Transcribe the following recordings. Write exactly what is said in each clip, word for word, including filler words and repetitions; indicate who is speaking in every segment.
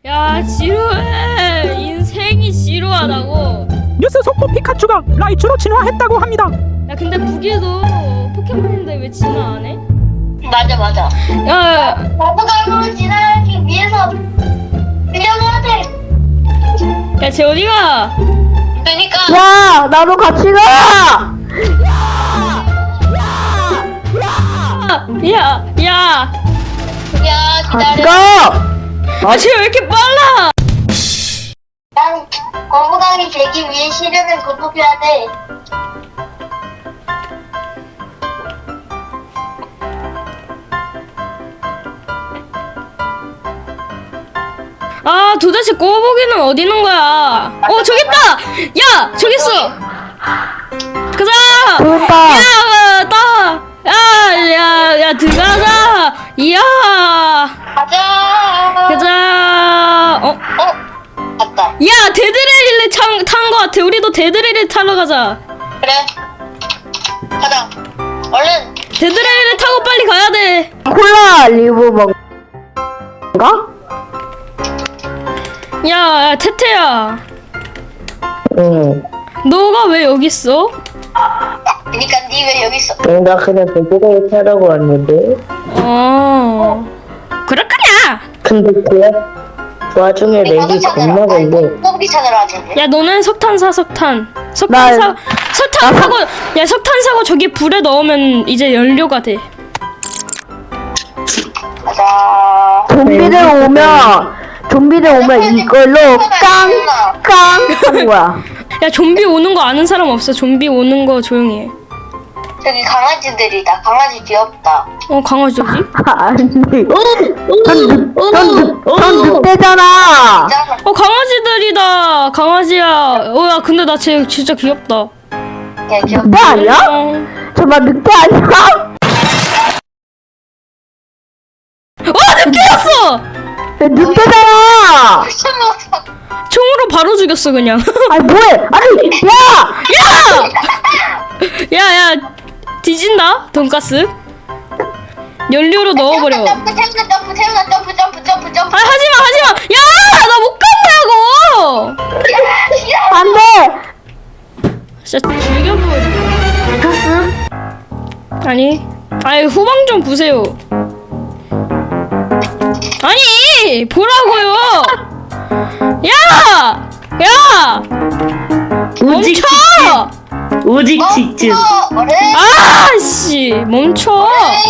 Speaker 1: 야 지루해. 인생이 지루하다고.
Speaker 2: 뉴스 속보 피카츄가 라이츄로 진화했다고 합니다.
Speaker 1: 야 근데 무기도 포켓몬인데 왜 진화 안 해?
Speaker 3: 맞아 맞아.
Speaker 1: 야,
Speaker 3: 거부감으로 진화하기 위해서 빌려줘야 돼.
Speaker 1: 야 쟤 어디가?
Speaker 3: 그러니까
Speaker 4: 야, 나도 같이 가!
Speaker 1: 야, 야,
Speaker 3: 야
Speaker 4: 같이
Speaker 3: 기다려.
Speaker 4: 가!
Speaker 1: 아 쟤 왜 이렇게 빨라?
Speaker 3: 난 거부감이 되기 위해 시련을 극복해야 돼.
Speaker 1: 아 도대체 꼬부기는 어디 있는 거야? 어 저기 있다. 야 저기 있어. 가자.
Speaker 4: 저기 있다.
Speaker 1: 야, 따. 야, 야, 야 들어가자. 이야.
Speaker 3: 가자.
Speaker 1: 가자. 어?
Speaker 3: 어? 갔다.
Speaker 1: 야 데드레일리 탄거 같아. 우리도 데드레일리 타러 가자.
Speaker 3: 그래. 가자. 얼른.
Speaker 1: 데드레일리 타고 빨리 가야 돼.
Speaker 4: 콜라 리브 먹가?
Speaker 1: 야, 야 태태야.
Speaker 4: 응.
Speaker 1: 너가 왜 여기 있어?
Speaker 3: 그러니까 니 왜 여기 있어?
Speaker 4: 나 그냥 배드레이 타라고 왔는데.
Speaker 1: 어. 그렇구나.
Speaker 4: 근데 그, 그 와중에 렉이 겁나 걸려.
Speaker 3: 꼬부기 찾으러 왔는데.
Speaker 1: 야 너는 석탄 사 석탄. 석탄
Speaker 4: 나-
Speaker 1: 사 석탄 사고 야 석탄 사고 저기 불에 넣으면 이제 연료가 돼.
Speaker 3: 가자.
Speaker 4: 좀비들 오면, 좀비들 오면 이걸로 깡, 깡 하는 거야.
Speaker 1: 야 좀비 오는 거 아는 사람 없어. 좀비 오는 거 조용히 해.
Speaker 3: 저기 강아지들이다. 강아지 귀엽다.
Speaker 1: 어 강아지 어디?
Speaker 4: 안 돼. 전, 늑- 전, 늑- 전 늑대잖아.
Speaker 3: 짱.
Speaker 1: 어 강아지들이다. 강아지야. 어야 근데 나 쟤 진짜 귀엽다.
Speaker 3: 야 귀엽다.
Speaker 4: 늑대 아니야?
Speaker 1: 어.
Speaker 4: 정말 늑대 아니야?
Speaker 1: 와 늑대였어.
Speaker 4: 야, 늑대잖아.
Speaker 3: 미친놈.
Speaker 1: 총으로 바로 죽였어 그냥.
Speaker 4: 아니 뭐해? 아니 야!
Speaker 1: 야야 뒤진다 돈가스. 연료로 넣어버려.
Speaker 3: 점프 태우나 점프 태우나 점프 점프 점프 점프.
Speaker 1: 아 하지마 하지마. 야 나 못 간다고.
Speaker 4: 안돼.
Speaker 1: 진짜 죽여버려.
Speaker 4: 가스?
Speaker 1: 아니 아니 후방 좀 보세요. 아니 보라고요. 야! 야!
Speaker 4: 오직
Speaker 1: 멈춰!
Speaker 4: 오직
Speaker 3: 멈춰. 어른.
Speaker 1: 아씨 멈춰.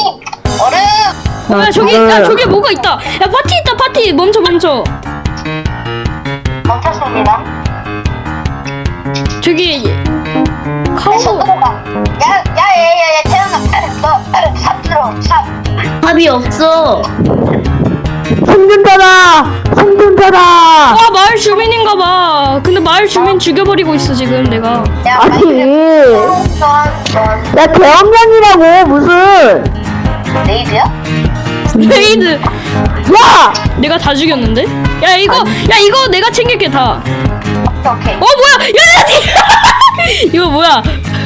Speaker 3: 어른.
Speaker 1: 야 저기 야 저기 뭐가 있다. 야 파티 있다 파티. 멈춰 멈춰.
Speaker 3: 멈췄습니다.
Speaker 1: 저기 카우.
Speaker 3: 야야야야야 태어나. 너삽 들어 삽.
Speaker 4: 답이 없어. 생존자다. 생존자다.
Speaker 1: 와 마을 주민인가 봐. 근데 마을 주민 죽여버리고 있어 지금 내가.
Speaker 3: 야
Speaker 4: 아니.
Speaker 3: 넌넌
Speaker 4: 야 대형견이라고 무슨?
Speaker 3: 레이드야?
Speaker 1: 레이드.
Speaker 4: 야!
Speaker 1: 내가 다 죽였는데? 야 이거 야 이거 내가 챙길게 다.
Speaker 3: 오케이 오케이.
Speaker 1: 어 뭐야? 야야 니. 이거 뭐야?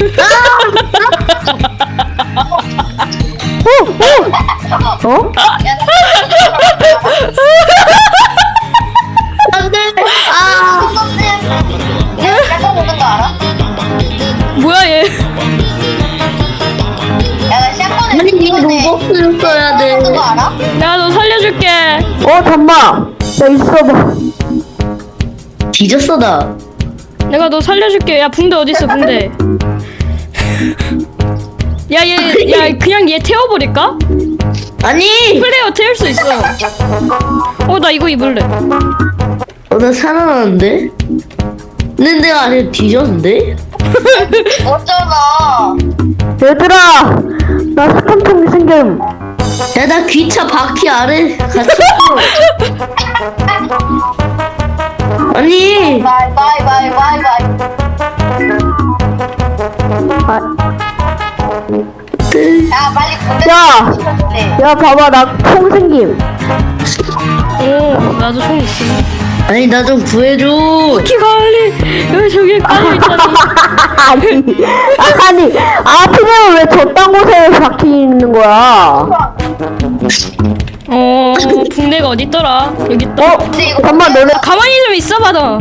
Speaker 4: 어? 어? 안돼. 아.
Speaker 3: 야 약간 먹는 거 알아?
Speaker 1: 뭐야 얘?
Speaker 3: 야나 샷건에
Speaker 4: 아니 이거 로벅스를 써야 돼.
Speaker 3: 먹는 거 알아?
Speaker 1: 내가 너 살려줄게.
Speaker 4: 어 잠만. 나 있어봐. 뒤졌어 나.
Speaker 1: 내가 너 살려줄게. 야 붕대 어디 있어 붕대? 야 얘 야 그냥 얘 태워버릴까?
Speaker 4: 아니.
Speaker 1: 플레이어 태울 수 있어. 어 나 이거 입을래.
Speaker 4: 어, 나 살아났는데? 근데 내가 아직 뒤졌는데?
Speaker 3: 어쩌나.
Speaker 4: 얘들아! 나 스팸통이 생김. 야, 나 귀차 바퀴 아래 같이 있어. 아니!
Speaker 3: 바이 바이 바이 바이 바이.
Speaker 4: 아,
Speaker 3: 야 빨리 군대
Speaker 4: 야!
Speaker 3: 시켜줄래.
Speaker 4: 야, 봐봐, 나 통 생김.
Speaker 1: 어 나도 총 있어.
Speaker 4: 아니, 나 좀 구해줘.
Speaker 1: 키갈리 여기 저기 깔려 있잖아.
Speaker 4: 아니, 아니, 아피면 왜 저딴 곳에 바퀴 있는 거야?
Speaker 1: 어 붕대가 어딨더라? 여기 있다.
Speaker 4: 어?
Speaker 3: 근데 이거
Speaker 4: 잠깐만 너네
Speaker 1: 가만히 좀 있어봐 너.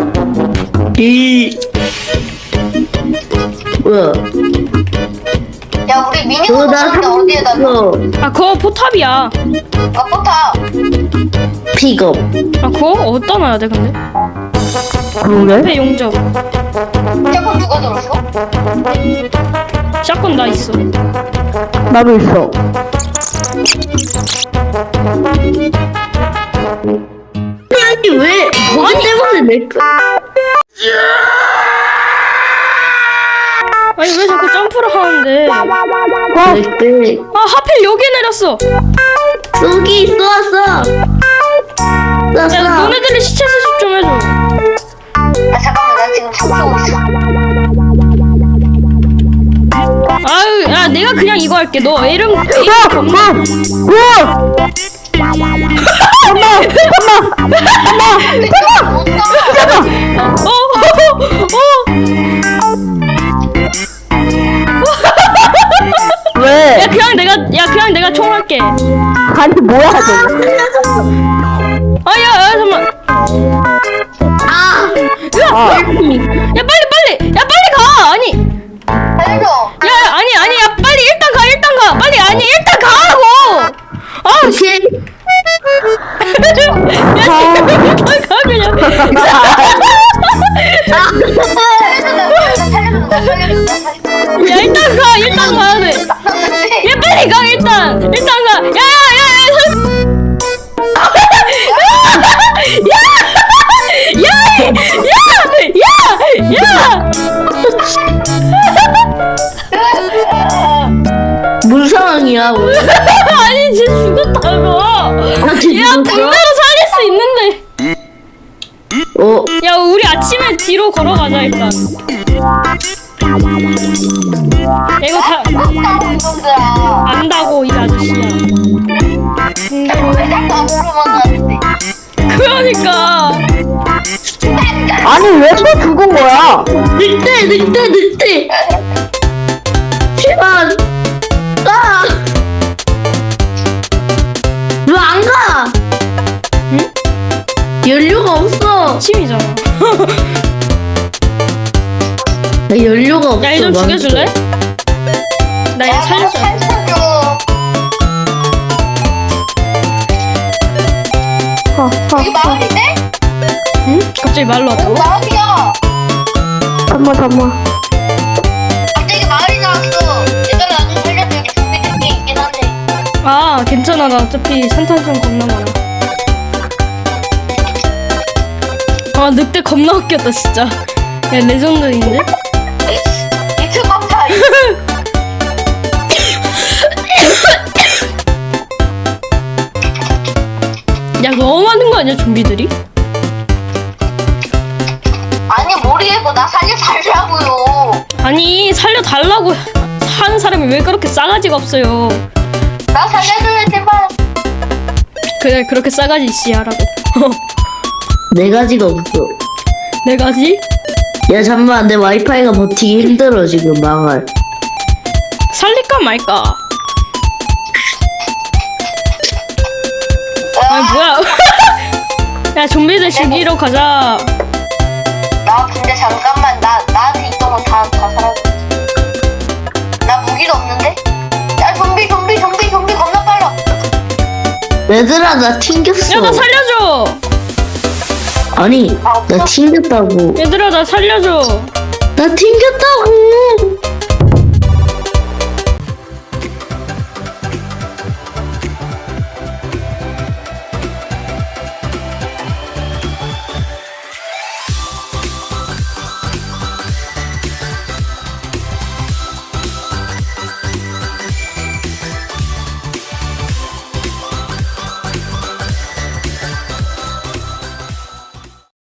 Speaker 4: 이 뭐야?
Speaker 3: 야 우리 미니건
Speaker 4: 그거 나
Speaker 3: 넣었는데 어디에다 넣어?
Speaker 4: 샀어.
Speaker 1: 아 그거 포탑이야.
Speaker 3: 아 포탑.
Speaker 4: 픽업.
Speaker 1: 아 그거 어디다 놔야 돼 근데?
Speaker 4: 그러게?
Speaker 1: 앞에 용접.
Speaker 3: 샷건 누가 들었어?
Speaker 1: 샷건 나 있어.
Speaker 4: 나도 있어. 아니 왜 거기 때문에 내 거?
Speaker 1: 아니 왜 자꾸 점프를 하는데? 아
Speaker 4: 내 거.
Speaker 1: 하필 여기 내렸어.
Speaker 4: 쏘기 쏘았어.
Speaker 1: 야
Speaker 4: 쏘았어.
Speaker 1: 너네들이 시체 수습 좀 해줘.
Speaker 3: 아 잠깐만 나 지금 총 쏘고 있어.
Speaker 1: 아유 야 내가 그냥 이거 할게. 너 A름 A 겁나. 어, 어, 어.
Speaker 4: 왜?
Speaker 1: 야 그냥 내가 야 그냥 내가 총 할게.
Speaker 4: 아니 뭐야 저거?
Speaker 1: 아야 야 잠만.
Speaker 4: 아.
Speaker 1: 야,
Speaker 4: 아.
Speaker 1: 야 빨리 빨리 야 빨리 가. 아니
Speaker 3: 살려줘.
Speaker 1: 야 아니 아니 야 빨리 일단 가 일단 가 빨리 아니 일단 가라고. 아 씨.
Speaker 4: 오케이.
Speaker 1: 야 일단 가 그냥.
Speaker 3: 살려줘 살려줘 나 살려줘 나 살려줘.
Speaker 1: 야 일단 가 일단 가야 돼. 야 빨리 가 일단 일단 가. 야야야야. 야야야야야야야.
Speaker 4: 무슨 상황이야? 왜?
Speaker 1: 아니 진짜 죽었다고.
Speaker 4: 아, 진짜
Speaker 1: 야
Speaker 4: 죽었어?
Speaker 1: 붕대로 살릴 수 있는데.
Speaker 4: 어?
Speaker 1: 야 우리 아침에 뒤로 걸어가자 일단. 야 이거 다
Speaker 3: 깜짝이야 이놈들아.
Speaker 1: 안다고 이 아저씨야. 붕대로.
Speaker 3: 왜 자꾸 앞으로만 가는데?
Speaker 1: 그러니까.
Speaker 4: 아니 왜 또 죽은 거야? 늑대 늑대 늑대. 제발. 아. 왜 안 가?
Speaker 1: 응?
Speaker 4: 연료가 없어.
Speaker 1: 침이잖아.
Speaker 4: 나 연료가 없어.
Speaker 1: 야, 얘 좀
Speaker 4: 망쳐.
Speaker 1: 죽여줄래? 나 얘
Speaker 3: 야
Speaker 1: 살려줘.
Speaker 3: 살려줘. 여기 마을인데?
Speaker 1: 응? 갑자기 말로
Speaker 3: 여기
Speaker 1: 왔다고?
Speaker 3: 마을이야.
Speaker 4: 잠만 잠만.
Speaker 3: 갑자기 마을이 나왔어. 얘들아 나 좀 살려줘. 여기 준비된 게 있긴 한데.
Speaker 1: 아, 괜찮아. 나 어차피 산탄총 겁나 많아. 아, 늑대 겁나 웃겼다, 진짜. 야, 레전드인데?
Speaker 3: 이틀 깜짝.
Speaker 1: 야, 너무 많은 거 아니야, 좀비들이?
Speaker 3: 아니 모르겠고 나 살려 살라고요.
Speaker 1: 아니, 살려달라고 하는 사람이 왜 그렇게 싸가지가 없어요.
Speaker 3: 나 살려줘요 제발.
Speaker 1: 그래, 그렇게 싸가지 씨 하라고.
Speaker 4: 네 가지가 없어.
Speaker 1: 네 가지?
Speaker 4: 야 잠만 내 와이파이가 버티기 힘들어 지금 망할.
Speaker 1: 살릴까 말까? 아, 뭐야. 야, 좀비들 죽이러 가자.
Speaker 3: 나 근데 잠깐만 나 나한테 있던 건 다 다 사라졌어. 나 무기도 없는데? 야 좀비 좀비 좀비 좀비 겁나 빨라.
Speaker 4: 얘들아 나 튕겼어.
Speaker 1: 야, 나 살려줘.
Speaker 4: 아니 나 튕겼다고.
Speaker 1: 얘들아, 나 살려줘.
Speaker 4: 나 튕겼다고.